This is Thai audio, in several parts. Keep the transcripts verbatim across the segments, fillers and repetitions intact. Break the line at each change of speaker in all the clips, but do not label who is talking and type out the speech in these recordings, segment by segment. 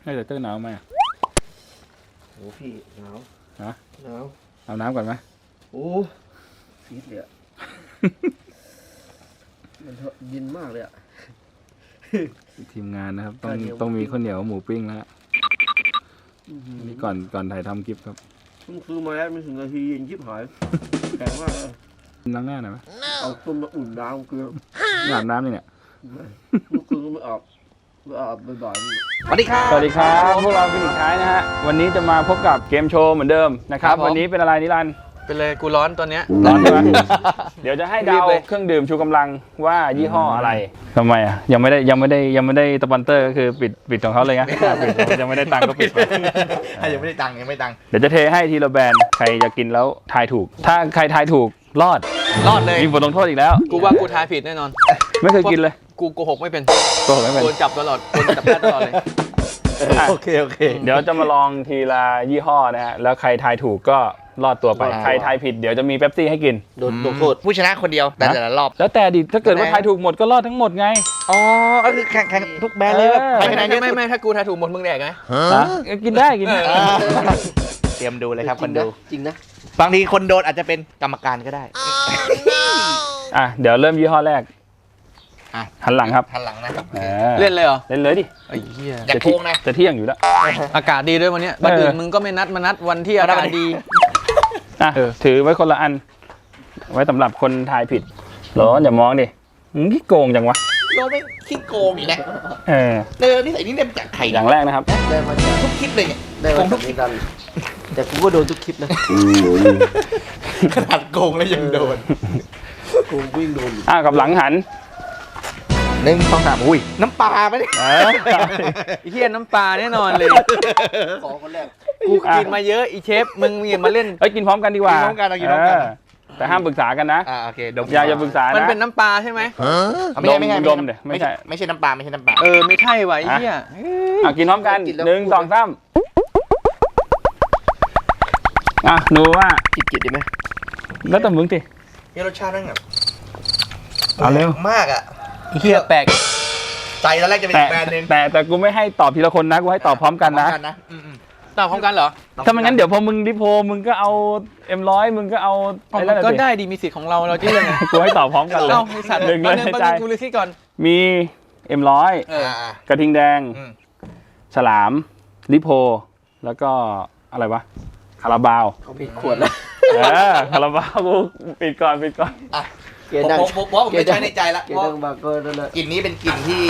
ให้แต่เต้นหนาวไหม
โอ้พี่หนาว
ฮะ
หนาว
เอาน้ำก่อนไหม
โอ้ฟีดเลยอะมันเย็นมากเลยอะ
ทีมงานนะครับต้องต้องมีข้าวเหนียวหมูปิ้งแล้วนี่ก่อนก่อนถ่ายทำคลิปครับ
เพิ่งซื้อมาแล้วไม่ถึงนาทีเย็นชิบหายแข็งมากเลย
ล้างหน้าหน่อยไหม
เอาต้มมาอุ่นน้ำเกลือ
อาบน้ำนี่เนี่ย
เมื่อคืนก็ไม่อาบไม่อาบบ่อยๆ
สวัสดีครับ
สวัสดีครับพวกเราเป็นอีกท้ายนะฮะวันนี้จะมาพบกับเกมโชว์เหมือนเดิมนะครับวันนี้เป็นอะไรนิรันดร์
เป็นเลยกูร้อนตัวเนี้ย
ร้อนใช่ไหมเดี๋ยวจะให้เดาเครื่องดื่มชูกำลังว่ายี่ห้ออะไรทำไมอ่ะยังไม่ได้ยังไม่ได้ยังไม่ได้สปอนเซอร์ก็คือปิดปิดของเขาเลยไงปิดยังไม่ได้ตังค์ก็ปิดไป
ยังไม่ได้ตังค์ยังไม่ตังค์
เดี๋ยวจะเทให้ทีละแบรนด์ใครจะกินแล้วทายถูกถ้าใครทายถูกรอด
รอดเลย
มีบทลงโทษอีกแล้ว
กูว่ากูทายผิดแน่นอน
ไม่เคยกินเลย
กูโกหกไม่เป็น
โกหกไม่เป็น
โดนจับตลอดโดนจับได้ตลอดเลย
โอเคโอเคเดี๋ยวจะมาลองทีละยี่ห้อนะฮะแล้วใครทายถูกก็รอดตัวไปใครทายผิดเดี๋ยวจะมีเป๊ปซี่ให้กิน
โดนโทษผู้ชนะคนเดียวแต่แต่ละรอบ
แล้วแต่ดิถ้าเกิดว่าทายถูกหมดก็รอดทั้งหมดไง
อ๋อก็คือแข่งแข่งทุกแบรนด์เลยแบบไม่ไม่ไม่ไม่ถ้ากูทายถูกหมดมึงแดกไง
กินได้กินได้
เตรียมดูเลยครับคนดู
จริงนะ
บางทีคนโดนอาจจะเป็นกรรมการก็ได้
อ่ะเดี๋ยวเริ่มยี่ห้อแรกหันหลังครับ
หันหลังนะครับ
เล่
นเลยเหรอ
เล่นเลยดิ
ไอ้เหี้ย
อย่าโกงนะจะเที่ยงอยู่แล้ว
อากาศดีด้วยวันนี้วันอื่นมึงก็ไม่นัดมานัดวันที่อากาศดี
อ่ะถือไว้คนละอันไว้สำหรับคนทายผิดร้อนอย่ามองดิมึงขี้โกงจังวะ
เราไม่ขี้โกงอีกนะ
เออ
เออนี่ใส่นี่เต็มจากไข่
อย่างแรกนะครับ
ได้มาจาก
ทุกคลิปเลยเนี่ย
ได้มาจากนี้กันแต่กูก็โดนทุกคลิปนะ
ขนาดโกงแล้วยังโดน
โกงวิ่งโดน
อ่ะกับหลังหัน
หนึ่งสองสามอุ้ยน้ำปลาไหมเนี่ยไอ้เหี้ยน้ำปลาแน่นอนเลย
ขอคนแรก
กูกินมาเยอะอีเชฟมึงอย่ามาเล่น
เฮ้ยกินพร้อมกันดีกว่า
กินพร้อมกันกินพร้อมกัน
แต่ห้ามปรึกษากันนะ
อ่าโอเคดม
อย่าอย่าปรึกษานะ
มันเป็นน้ำปลาใช่ไหม
ไม่ใช่ไม่ใช่ดมเนี่ยไม่ใช่
ไม่ใช่น้ำปลาไม่ใช่น้ำปลาเออไม่ใช่ว่ะไอ้เหี้ย
อ่ะกินพร้อมกันหนึ่งสองสามอ่ะหนูว่า
จิตจิตดีไหม
แล้วแต่มึงสิ
นี่รสชาตินั่งแบบ
เอาเร็ว
มากอ่ะเหี้ยแปลกใจตอนแรกจะเป็นแบรนด์นึง
แต่แต่กูไม่ให้ตอบทีละคนนะกูให้ตอบพร้อมกันนะ
ตอบพร้อมกันเหรอ
ถ้าไม่งั้นเดี๋ยวพอมึงดิโพมึงก็เอาเอ็มร้อยมึงก็เอา
อะไรก็ได้ดีมีสิทธิ์ของเราเราจะยังไง
กูให้ตอบพร้อมกันเลย
หนึ่งเลยใจกูเลยคิดก่อน
มีเอ็มร้อยกระทิงแดงฉลามลิโพแล้วก็อะไรวะคาราบาว
เขาปิดขวดแล้ว
เออคาราบาวกูปิดก่อนปิดก่อน
เกณฑ์ดังผมบอกผมไม่ใช่ในใจละ
เกณฑ์ดังบาร์เกอร์นั่นแหละ
กลิ่นนี้เป็นกลิ่นที่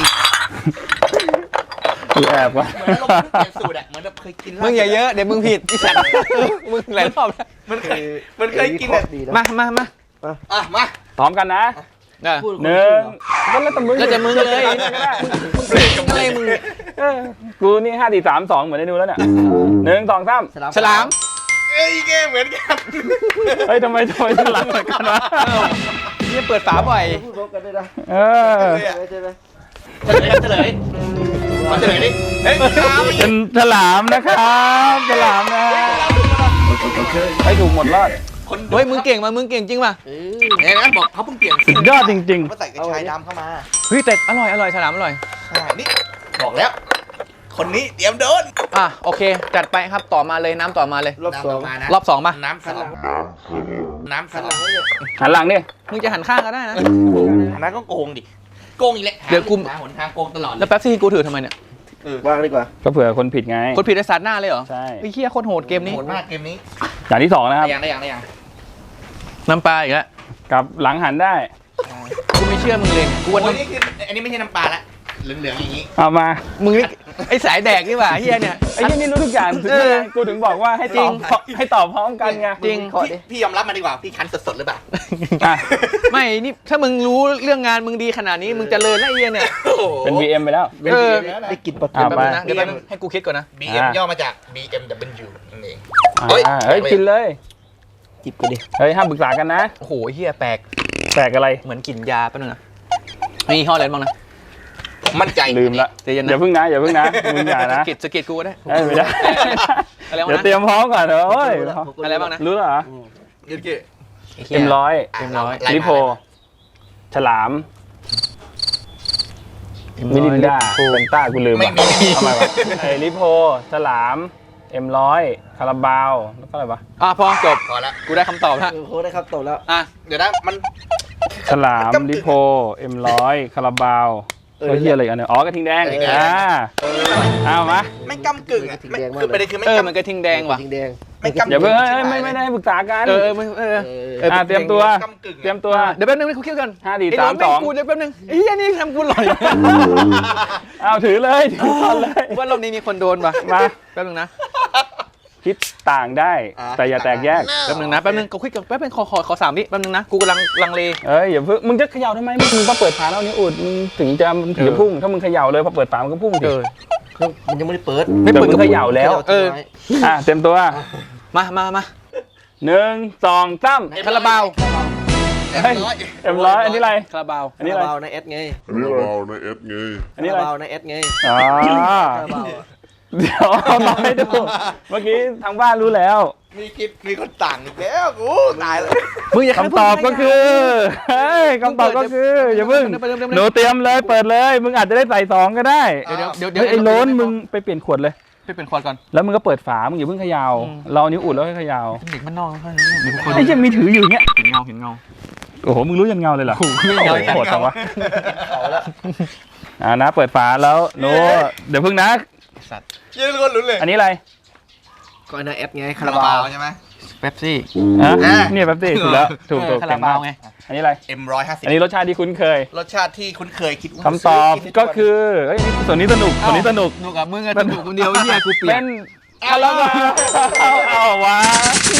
กูแอบวะ
เหมือนเราเปลี่ยนสูตรอะเหมือนเราเคยกินมึงอย่าเยอะเดี๋ยวมึงผิดอีสัตว์มึงหลายรอบแล้วมันเคยมันเคยกินแบบมามามาอ่ะมา
พร้อมกันนะหนึ่งก็แล้วแต่มึง
ก็จะมึงเลยเบรกกับอะไรมึง
กูนี่ห้าสี่สามสองเหมือนได้ดูแล้วเนี่ยหนึ่งสองสาม
ฉลามเอ้ยแกเหมือนกัน
เฮ้ยทำไมทำไมฉลามเหมือนกันวะ
นี่เปิดฝาบ่อย
พูดพร้อมกันได้นะ
เออ
ใช่ไหม
เฉลยเฉลยมาเฉลยดิเฮ้ย
เป็นฉลามนะครับฉลามนะให้ถูกหมดรอด
เฮ้ยมึงเก่งมามึงเก่งจริงป่ะเนี่ยนะบอกเขาเพิ่งเปลี่ยน
สุดยอดจริง
ๆเขาใส่กระชายดำเข้ามาเฮ้ยแต่อร่อยอร่อยฉลามอร่อยใช่นี่บอกแล้วคนนี้เตรียมโดนอ่ะโอเคจัดไปครับต่อมาเลยน้ำต่อมาเลย
รอบสอง
รอบสองป่ะ
น้ำสลับ
น้ำสลับ
หันหลังดิ
มึงจะหันข้างก็ได้นะนั่นก็โกงดิโกงอีกแล้วเดี๋ยวกูหนทางโกงตลอดแล้วแป๊บซี่กูถือทำไมเนี่ย
ว่างดีกว่า
ก็เผื่อคนผิดไง
คนผิดไอ้สัตว์หน้าเลยเหรอ
ใช่
ไอ้เหี้ยโคตรโหดเกมนี้
โหดมากเกมนี้
อย่างที่สองนะครับ
ได้ยังได้ยังได้ยังน้ำปลาอีกแล้ว
กับหลังหันได้
กูไม่เชื่อมึงเลยกูวันนี้คืออันนี้ไม่ใช่น้ำปลาละเหลืองๆอย่างนี้
เอามา
มึงนี่ไอ้สายแดกนี่หว่าเฮียเนี่ย
ไอ้ที่นี่รู้ทุกอย่างเออกูถึงบอกว่าให้จริงให้ตอบพร้อมกันไง
จริงพี่ยอมรับมาดีกว่าพี่คันสดๆหรือเปล่าไม่นี่ถ้ามึงรู้เรื่องงานมึงดีขนาดนี้มึงจะเลยแล้วไอ้เฮียเนี่ย
เป็น บี เอ็ม ไปแล้ว
เออ
ได้กินปะ
เดี๋ยวแป๊บนึงนะเดี๋ยวแป๊บนึงให้กูคิดก่อนนะ บี เอ็ม ย่อมาจาก บี เอ็ม ดับเบิลยู นั่นเอง
เฮ้ยเฮ้ยกินเลย
จิบกันดิ
เฮ้ยห้ามปรึกษากันนะ
โอ้โหเฮียแปลก
แปลกอะไร
เหมือนกลิ่นยาแป๊บนึงนะมียี่ห้ออะไรบ้างนะมั่นใจ
ลืมละอย่าเพิ่งนะอย่าเพิ่งนะมึงอย่านะ
สกิดสกิดกูก็ได้
ไม่ได้เดี๋ยวเตรียมพร้อมก่อนเถอะ
อะไรบ้างนะ
รู้เหรอ
เอ็
มร้อย
เอ็มร้อย
ลิโพฉลามมิรินดา
โอ้
เฟนต้ากูลืม
ไม่
ว่ะ
มี
ทำไมวะไอ้ลิโพฉลามเอ็มร้อยคาราบาวแล้วก็อะไรวะ
อ่ะพอจบ
พอละ
กูได้คำตอบแล้ว
เออโค้ดได้ครับตกแล้ว
อ่ะ
เดี๋ยวนะมัน
ฉลามลิโพเอ็มร้อยคาราบาวก็เฮียอะไรอีกอันเนี่ยอ๋อกระทิงแดงอ่าเอามา
ไม่กำกึ่งอ่ะ
จริง
ไม่
แดงมาก
คือ
เลย
ประเด็นคือไม่
เออ
กำ
มันกระทิงแดงว่ะ
จริงแดง
ไม่กำ
เดี๋ยวเพิ่งเอ้ย
ใช่
ไม่ไม่ได้ปรึกษากัน
เออเออเออเออ
เออ
เออ
อ่าเตรียมตัว
กำกึ่ง
เตรียมตัว
เดี๋ยวแป๊บนึงให้กูคิดกัน
ห้าสี่
ไอ้
สาม
โน้ต
สอง
แกูเดี๋ยวแป๊บนึงไอ้เหี้ยนี่ทำกูหลอย
เอาถือเลยถือก่อนเลย
ว่ารอบนี้มีคนโดนป่ะ
มา
แป๊บนึงนะ
คิดต่างได้ แต่อย่าแตกแยก
แป๊บนึงนะแป๊บนึงกูคิดกันแป๊บนึงขอขอขอสามวิแป๊บนึงนะกูกำลังลังเล
เอ้ยอย่าเพิ่งมึงจะเขย่าทำไมมึงมึงมาเปิดฝาแล้วนี่อุดมึงถึงจะถึงจะพุ่งถ้ามึงเขย่าเลยพอเปิดฝามันก็พุ่งสิ
เออ
เขามันยังไม่ได้เปิด
ไม่เปิดมึงเขย่าแล้ว
เออ
อ่ะเต็มตัว
มามามา
หนึ่งสองสาม
คาราบาว
เอ็ม
เฮ้ย
ร้อย
เอ็มร้อยอันนี้อะไร
คาราบาว
อันนี้อะไร
คาราบาวในเอสไง
อันนี้เราในเอสไง
อันนี้อะไร
คาราบาวในเอสไง
อ๋อ
คาราบาวอะ
เดี๋ยวเอามาให้ดู เมื่อกี้ทางบ้านรู้แล้ว
มีคลิปมีคนต่างอีกแล้วกูตายแล้ว
มึงอย่า
คำตอบก็คือเฮ้ยคำตอบก็คืออย่าเพิ่งหนูเตรียมเลยเปิดเลย มึงอาจจะได้ใส่สองก็ได้
เดี๋ยวเดี๋ยวเดี๋ยว
เฮ้ยไอ้โล้นมึงไปเปลี่ยนขวดเลย
ไปเป็นควอดก่อน
แล้วมึงก็เปิดฝา มึงอย่าเพิ่งเขย่า
อืม
เราเอานิ้วอุดแล้วให้เขย่า
เด็กบ้านนอกเขาเดี๋ยวคน
ไอ้ยังมีถืออยู่อย่างเงี้ย
เห็นเงาเห็นเงา
โอ้โห มึงรู้ยันเงาเลยเหรอ
โอ้โหไม่เงา
โอ้โหโหดจังวะอ่านะ เปิดฝาแล้วโน้เดี๋ยวเพิ่งนะ
สัตว์
เชื่อทุกคนรู้เลย
อันนี้อะไร
ก็ในเอสไง
คา
คา
รา
รา
บา
บาว ว
ใช่ไหม
เป๊ปซี่
อ่ะ
อ่ะ
เนี่ยแป๊บสิถูกแล้ว ถูกถูก
คาราบาวไง
อันนี้อะไร
เอ็มร้อยห้าสิบ
อันนี้รสชาติที่คุ้นเคย
รสชาติที่คุ้นเคยคิดว่า
คำตอบก็คือเฮ้ยส่วนนี้สนุกส่วนนี้สนุก
หนูกับมึงอะสนุกคนเดียวไอ้เหี้ยกูเปลี่
เป็
ยน
นคาราบาวเอาเอาวะ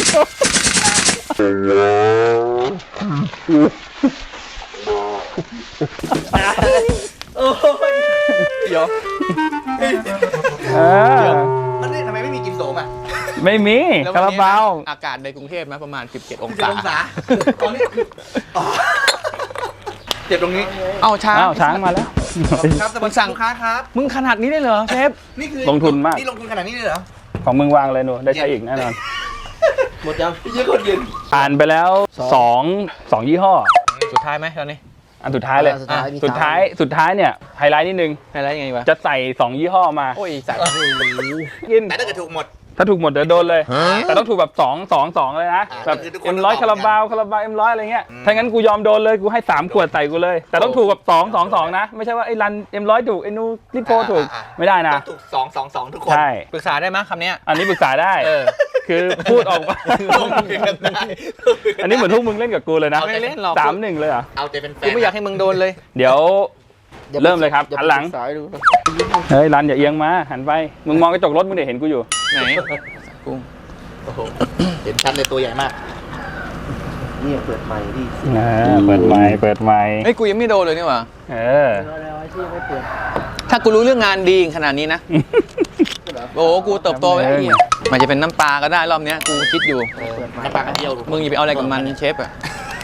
เดี๋ยว
เออ
มันนี่ทำไมไม่มีกินโสมอ่ะ
ไม่มี
แล้ว
คา
วัน
รา
นี้
บาว
นะอากาศในกรุงเทพนะประมาณสิบเจ็ดอง
เจ็ด
ศา
องศาตอนนี้อ๋อเจ็บตรงนี้
เอ้าช้าง
อ้าวช้างมาแล้ว
ครับสวัสดีลูกค้าครับ
มึงขนาดนี้ได้เหรอเชฟ
นี่คือ
ลงทุนมาก
นี่ลงทุนขนาดนี้เลยเหรอ
ของมึงวางเลยหนูได้ใช้อีกแน่นอน
หมดยัง
เยอะคนเย็น
อ่านไปแล้วสองสองยี่ห้อ
สุดท้ายไหมตอนนี้
อันสุดท้ายเลย
สุดท้ายมี
สุดท้ายสุดท้ายเนี่ยไฮไลท์นิดนึง
ไฮไลท์ยังไงวะ
จะใส่สองยี่ห้อมา
โอ้ยสัตว์
กิน
แต่ถ้าเกิดถูกหมด
ถ้าถูกหมดเดี๋ยวโดนเลย แต่ต้องถูกแบบสองสองสองเลยนะ
อ่า
แบบ
คือทุกคน
เอ็มร้อย
ต้อง
คา
ต
รา
อบกัน
บาวคาราบาวเอ็มร้อยอะไรเงี้ย
อืม
ถ้างั้นกูยอมโดนเลยกูให้สามขวดใส่กูเลย แต่ต้องถูกแบบสองสองสองนะ ไม่ใช่ว่าไอ้รันเอ็มร้อยถูกไอ้นูริโพถูก
อ่าอ่า
ไม่ได้นะ
ต้องถูกสองสองสองทุกคน
ใช่
ปรึกษาได้ไหมคำเนี้ย
อันนี้ปรึกษาได้
เออ
คือพูดออกมา
ลงมือกันได้
อันนี้เหมือนพวกมึงเล่นกับกูเลยนะ
ไม่เล่นหรอก
สามหนึ่งเลยเหรอ
เอาใจเป็นแฟ
กู
น
ไม่อยากให้มึงโดนเลย
เดี๋ยว เริ่มเลยครับ
อย่า
หันหลัง
ไปศึกษาดู
เฮ้ยรันอย่าเอียงมาหันไปมึงมองกระจกรถมึงเดี๋ยวเห็นกูอยู่
ไหนกู
โอ้โหเห็นชัดเลยตัวใหญ่มาก
นี่เปิดใหม่ดิ
อ่าเปิดไมค์เปิดไมค์
เฮ้ยกูยังไม่โดนเลยนี่หว่า
เออ
แล้วไอ้ที่ยังไม่เปิด
ถ้ากูรู้เรื่องงานดีขนาดนี้นะ โอ้โหกูเติบโตไปไอ้เหี้ยมันจะเป็นน้ำปลาก็ได้รอบเนี้ยกูคิดอยู่
เปิดใหม่
น้ำปลากระเทียม
มึงอย่าไปเอาอะไรกับมันเชฟอะ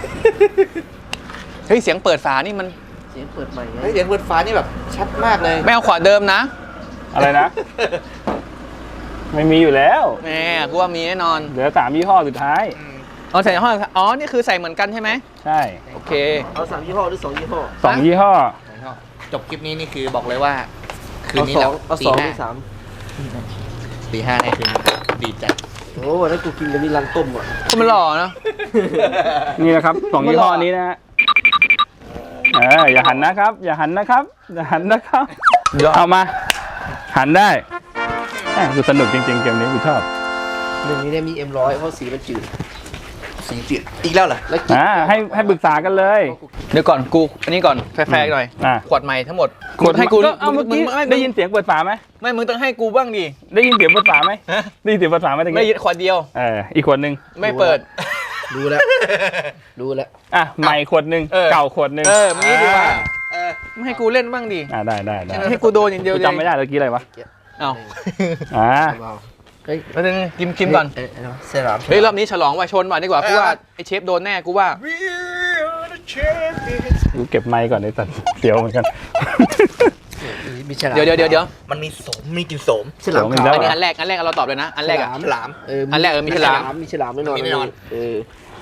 เฮ้ยเสียงเปิดฝานี่มัน
เสียงเปิดใหม่ไง
เฮ้ยเสียงเปิดฟ้านี่แบบชัดมากเลย
ไม่เอาขวดเดิมนะ
อะไรนะ ไม่มีอยู่แล้ว
แหมกูว่ามีแน่นอน
เหลือสามยี่ห้อสุดท้าย
อืม
อ๋อใส่ห้องอ๋อนี่คือใส่เหมือนกันใช่ไหม
ใช่
โอเค
เอาสามยี่ห้อหรือสองยี่ห้อ
สองยี่ห้อ
จบคลิปนี้นี่คือบอกเลยว่า คืน
เอา
นี้
สอ
เรา
งเอา
ตี
สองห
ห้า
รือสาม
ตีห้าในคืนดีใจ
โอ้วันนั้นกูกินกับนี่รังต้มอ่ะ
ก็มันหล่อนะ
นี่นะครับสองยี่ห้อนี้นะฮะเอออย่าหันนะครับ อย่าหันนะครับ อย่าหันนะครับเอามา หันได้แหม่กูสนุกจริงๆเกมนี้กูชอบ
หนึ่งนี้เนี่ยมีเอ็มร้อยเพราะสีมันจืด
สีจืดอีกแล้วเหรอ
แล้วกิน
อ่าให้ให้ปรึกษากันเลย
เดี๋ยวก่อนกูอันนี้ก่อนแฟร์ๆหน่อย
อ่า
ขวดใหม่ทั้งหมด
ขวด
ให้กู
เอาเมื่อกี้
งง
ได้ยินเสียงเปิดฝาไหม
ไม่มึงต้องให้กูบ้างดิ
ได้ยินเสียงเปิดฝาไหม
ฮะ
ได้ยินเสียงเปิดฝาไหมตะ
ไม่ยิ
กี้
นขวดเดียว
เอออีกขวดหนึ่ง
ไม่เปิด
ดูแล้วดูแล้ว
อ่ะใหม่ขวดหนึ่ง
เออ
เก่าขวดหนึ่ง
เออมันงี้ดีกว่า
เออ
ไม่ให้กูเล่นบ้างดิ
อ่าได้ได้ได้
ให้กูโดนอย่างเดียว
กู
เลย
จำไม่ได้เมื่อกี้อะไรวะ
เอ้า
อ่า
เบาเฮ้ย
แล้วนึงกิมกิมก่อน
เอ้ยเอ้ยเซราม
เฮ้ยรอบนี้ฉลองว่ะชนว่ะดีกว่ากูว่าไอเชฟโดนแน่กูว่า
We are the champions
กูเก็บไมค์ก่อนไอ้สัตว์เสียวเหมือนกัน
มีฉลาม
เดี๋ยวเดี๋ยวเดี๋ยวเดี๋ยว
มันมีโสมมีกลินโสม
ฉลาม
เดี๋ยว
ขาว
มัน
อัน
จะ
นี้อันแรกอันแรกเราตอบเลยนะ อันแรกอะ
ฉลาม
เออ
อันแรกเออมีฉลาม
มีฉลามแน่นอน
มีแน่นอน
เออ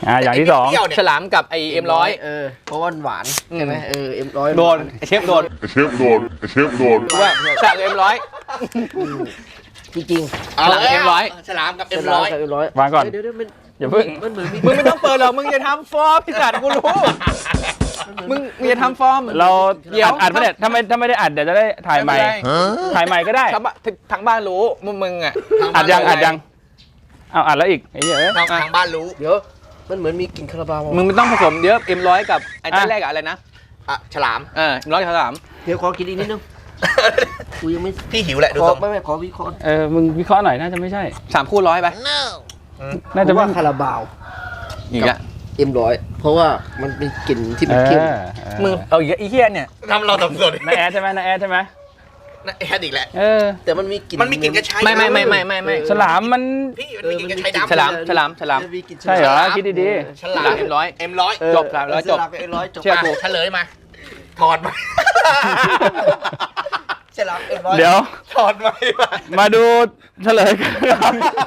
อ่าอย่างที่สอง
เปรี้ยวเนี่ย
ฉลามกับไอเอ็มร้อย
เออเพราะว่าหวานใช่ไหมเออเอ็มร้อย
โดนไอ้เชฟโดน
เชฟโดนเชฟโดน
ว่าฉลามกับเอ็มร้อย
จริง
ฉลามเอ็มร้อย
ฉลามกับ
ๆ
เอ็มร้อย
เอ็มร้อยว
างก่อน
เดี๋ยวเดี๋ยวมัน
อย่าเพิ่ง
มันเหมือนมี
มึงไม่ต้องเปิดหรอกมึงจะทำฟอร์มพี่สัตว์กูรู้มึงมึงจะทำฟอร์ม
เรา
เดี๋ยว
อัดอัดไม่ได้ถ้าไม่ถ้าไม่ได้อัดเดี๋ยวจะได้ถ่ายใหม่
ไม่เป็นไร
ถ่ายใหม่ก็ได้
ทั้งบ้านทั้งบ้านรู้มึงมึงอ่ะ
อัดยังอัดยังเอาอัดแล้วอีกไอ้เหี้ยเอ้ย
ทางทางบ้านรู้
เดี๋ยวมันเหมือนมีกลิ่นคาราบาว
มึงไม่ต้องผสมเยอะเอ็มร้อยกับไอ้ตั้
อ่ะ
นแรกกับอะไรนะ
อ่ะฉลาม
เออเอ็มร้อยกับฉลาม
เดี๋ยวขอกินอีกนิดนึงกูยังไม่
พี่หิวแหละดู
ขอ
ทรง
ไม่ไม่ขอวิเคราะห์
เออมึงวิเคราะห์หน่อยน่าจะไม่ใช่
สามคู่ร้อยไป
น่าจะ
ผม
ว่า
ว่าคาราบาว
อีกอ่ะ
เอ็มร้อยเพราะว่ามันเป็นกลิ่นที่
เอ
มัน
อ
เข้ม
เออ
มึงเอาอีกแล้วไอ้เหี้ยเนี่ย
ทำเราสับสน
นาแอดใช่ไหมนาแอดใช่ไหม
นะแอดอีกแล้ว
เออ
แต่มันมีกลิ่น
มันมีกลิ่นกระชาย
ไม่ไม่ไม่ไม่ไม่ไม่
ฉลามมัน
พี่มันมีกลิ่นกระชายดำ
ฉลามฉลามฉลาม
นกลิ่น
ใช่เหรอ
ฉลาม
คิดดี
ฉลาม
เอ็มร้อย
เอ็มร้อย
เออ
จบครับแล้วจบ
ฉลามกับเอ็มร้อยจบ
เชื่อ
อ่ะ
กู
เฉลยมา ถอดมา
ฉลามเอ็มร้อย
ๆ เดี๋ยว
ถอดมามา
มาดูเฉลยกันครับ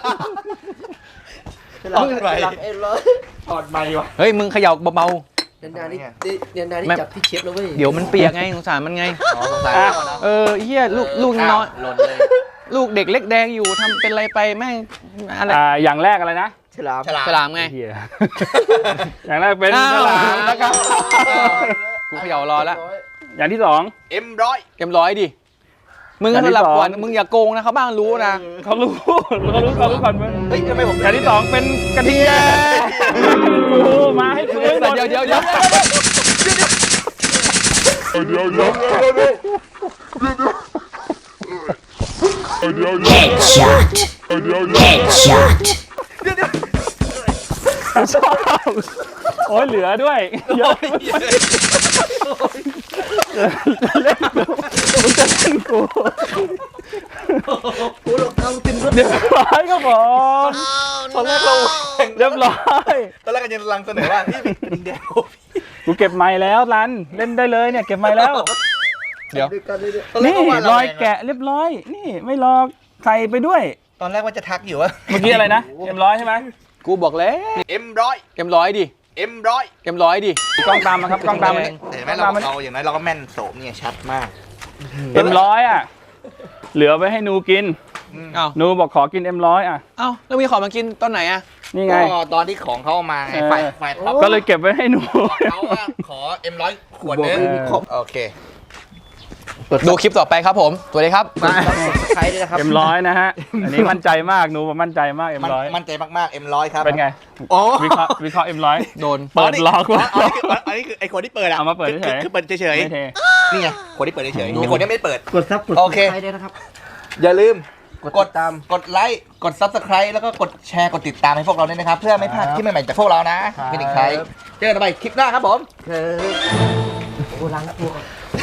ฉลามฉลามเอ็มร้อย
ถอดใหม่วะ
เฮ้ยมึงเขย่าเบา
เนียนนานี่เนียนนานี่
ไม่
จับที่เชฟแล้วเว้ย
ๆเดี๋ยวมันเปียกไงสงสารมันไง
อ๋อสงสัย
อ่ะ
เออไอ้เหี้ยลูกลูกน้อย
หล่นเลย
ลูกเด็กเล็กแดงอยู่ทำเป็นอะไรไปแม่งอะไร
อ่าอย่างแรกอะไรนะ
ฉลาม
ฉลาม
ฉลามไง
เหี้ยอย่างแรกเป็น
อ้าว
ฉลามนะครับ
กูเขย่ารอแล้ว
อย่างที่สอง
เอ็มร้อย
เอ็มร้อยดิมึง
อั
ก็
นที่
สลับ
สอง
ก่อนมึงอย่าโกงนะเขาบ้างรู้นะ
เขารู้เขารู้เขารู้ก่อนมึง
เฮ้ยทำไมผม
อย่างที่สองเป็นกระเทียมกูมาให้คืนหมด
เดี๋ยวเดี๋ยวเดี๋ยว
เดี๋ยวเดี๋ยวเดี๋ยวเดี๋ยวเดี๋ยวเดี๋ยวเดี๋ยว
ชอบโอ้ยเหลือด้วยเยอะเล่นกูมึงจะเล่นกู
กูหลอกเอาติมรถ
เรียบร้อยครับผม
ตอนแรกเรา
เรียบร้อย
ตอนแรกกันยังลังเสนอว่าพี่ดิงแดง
กูเก็บไม้แล้วรันเล่นได้เลยเนี่ยเก็บไม้แล้ว
เดี๋ยว
ด้วยกันเลยเนี่ย
ตอนแรก
นี่
ก็ว่าเรา
รอยแกะเรียบร้อย นี่ไม่รอใส่ไปด้วย
ตอนแรกว่าจะทักอยู่ว่า
เมื่อกี้อะไรนะเอ็มร้อยใช่ไหม
กูบอกแล้ว
เอ็มร้อย
เอ็มร้อยดิ
เอ็มร้อย
เอ็มร้อยดิ
กล้องตามมาครับกล้องตามมา
แต่เห็นไหมเราเราอย่างน้อยเราก็แม่นโสมเนี่ยชัดมาก
เอ็มร้อยอ่ะเหลือไว้ให้นูกิน
เอ้า
นูบอกขอกินเอ็มร้อยอ่ะ
เอ้าแล้วมีของมากินตอนไหนอะ
นี่ไง
ก็ตอนที่ของเขาเอามาไง
เออ
ฝ่ายฝ่ายท็อป
ก็เลยเก็บไว้ให้หนู
เขาว่าขอเอ็มร้อยขวดนึง
เออ
โอเค
ดูคลิปต่อไปครับผมสวัสดีครับ
ใครด้วยนะครับ
เอ็มร้อยนะฮะอันนี้มั่นใจมากหนูบอกมั่นใจมากเอ็ม
มัน
ร้อย
มั่นใจมากๆเอ็มร้อยครับ
เป็นไง
โอ้
วิเคราะห์วิเคราะห์เอ็มร้อย
โดน
เปิดล็อก
อ๋
ไว้
ออันนี้คืออันนี้คือไอคนที่เปิดอะ
เอามาเปิดเฉยๆ
คือคือเปิดเฉย
ไม่เท
ๆนี่ไงคนที่เปิดเฉยๆไอคนที่ไม่เปิด
กดซับกด
โอเค
ใครด้วยนะครับ
อย่าลืม
กด
กด
ติดตาม
กดไลค์กด ซับสไครบ์ แล้วก็กดแชร์กดติดตามให้พวกเราด้วยนะครับ เพื่อไม่พลาดคลิปใหม่ๆจากพวกเรานะเป็นอีกใครเจอกันใหม่คลิปหน้าครับผม
เออโอ้ล้างตัวก่อน